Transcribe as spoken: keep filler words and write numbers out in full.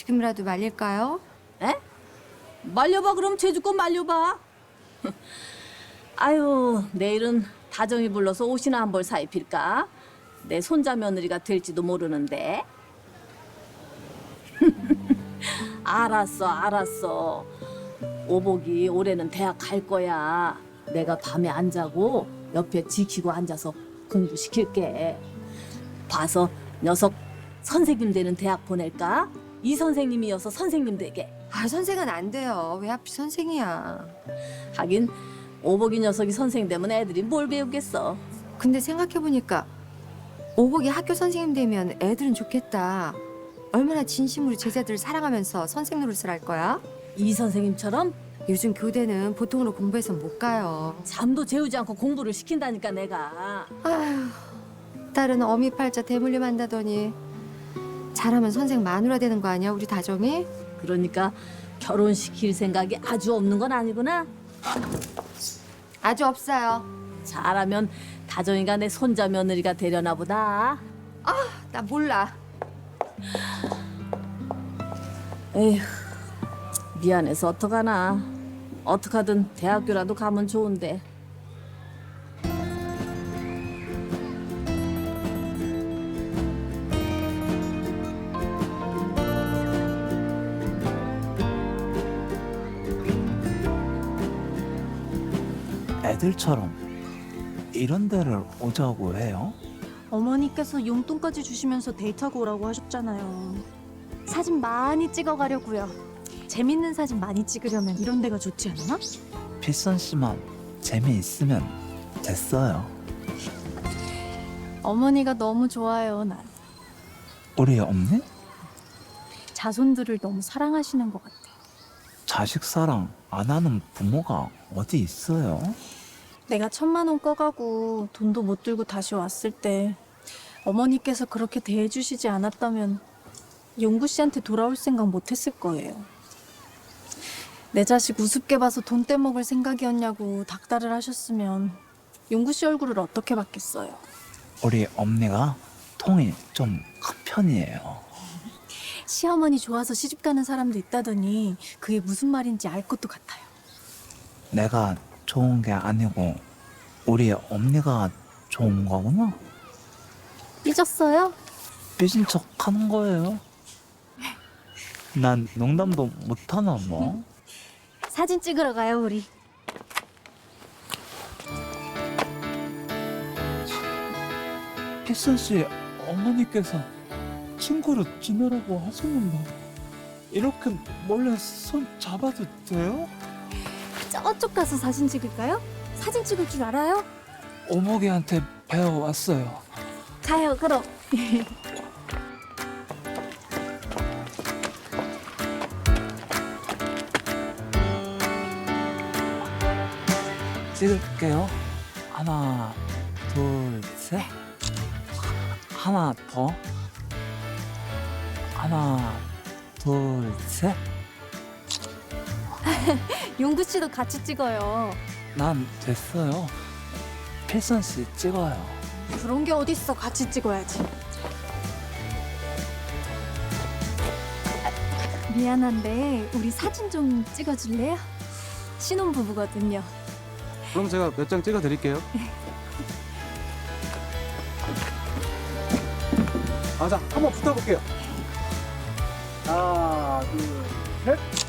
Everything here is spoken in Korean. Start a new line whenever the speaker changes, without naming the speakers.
지금이라도 말릴까요?
에? 말려봐. 그럼 제주껏 말려봐. 아유, 내일은 다정이 불러서 옷이나 한 벌 사입힐까? 내 손자 며느리가 될지도 모르는데. 알았어, 알았어. 오복이 올해는 대학 갈 거야. 내가 밤에 안 자고 옆에 지키고 앉아서 공부시킬게. 봐서 녀석 선생님 되는 대학 보낼까? 이 선생님이어서 선생님 되게.
아, 선생은 안 돼요. 왜 하필 선생이야.
하긴 오복이 녀석이 선생 되면 애들이 뭘 배우겠어.
근데 생각해보니까 오복이 학교 선생님 되면 애들은 좋겠다. 얼마나 진심으로 제자들을 사랑하면서 선생 노릇을 할 거야?
이 선생님처럼
요즘 교대는 보통으로 공부해서 못 가요.
잠도 재우지 않고 공부를 시킨다니까 내가.
아휴, 딸은 어미팔자 대물림 한다더니 잘하면 선생 마누라 되는 거 아니야, 우리 다정이?
그러니까 결혼시킬 생각이 아주 없는 건 아니구나.
아주 없어요.
잘하면 다정이가 내 손자 며느리가 되려나 보다.
나 몰라.
에휴, 미안해서 어떡하나. 어떡하든 대학교라도 가면 좋은데.
애들처럼 이런 데를 오자고 해요?
어머니께서 용돈까지 주시면서 데이트하고 오라고 하셨잖아요. 사진 많이 찍어가려고요. 재밌는 사진 많이 찍으려면 이런 데가 좋지 않나?
필선 씨만 재미있으면 됐어요.
어머니가 너무 좋아요, 난.
우리 엄니?
자손들을 너무 사랑하시는 것 같아.
자식 사랑 안 하는 부모가 어디 있어요?
내가 천만 원 꺼가고 돈도 못 들고 다시 왔을 때 어머니께서 그렇게 대해주시지 않았다면 용구 씨한테 돌아올 생각 못했을 거예요. 내 자식 우습게 봐서 돈 떼먹을 생각이었냐고 닥달을 하셨으면 용구 씨 얼굴을 어떻게 봤겠어요.
우리 엄니가 통이 좀 큰 편이에요.
시어머니 좋아서 시집 가는 사람도 있다더니 그게 무슨 말인지 알 것도 같아요.
내가 좋은 게 아니고 우리 엄니가 좋은 거구나.
삐졌어요?
삐진 척 하는 거예요. 난 농담도 못하나 뭐.
사진 찍으러 가요, 우리.
필선 씨 어머니께서 친구로 지내라고 하셨는데 이렇게 몰래 손 잡아도 돼요?
저쪽 가서 사진 찍을까요? 사진 찍을 줄 알아요?
오목이한테 배워왔어요.
가요, 그럼.
찍을게요. 하나, 둘, 셋. 하나 더. 하나, 둘, 셋.
용구 씨도 같이 찍어요.
난 됐어요. 필선 씨 찍어요.
그런 게 어딨어, 같이 찍어야지. 아, 미안한데 우리 사진 좀 찍어줄래요? 신혼부부거든요.
그럼 제가 몇 장 찍어 드릴게요. 아, 자, 한번 붙어볼게요. 하나, 둘, 셋.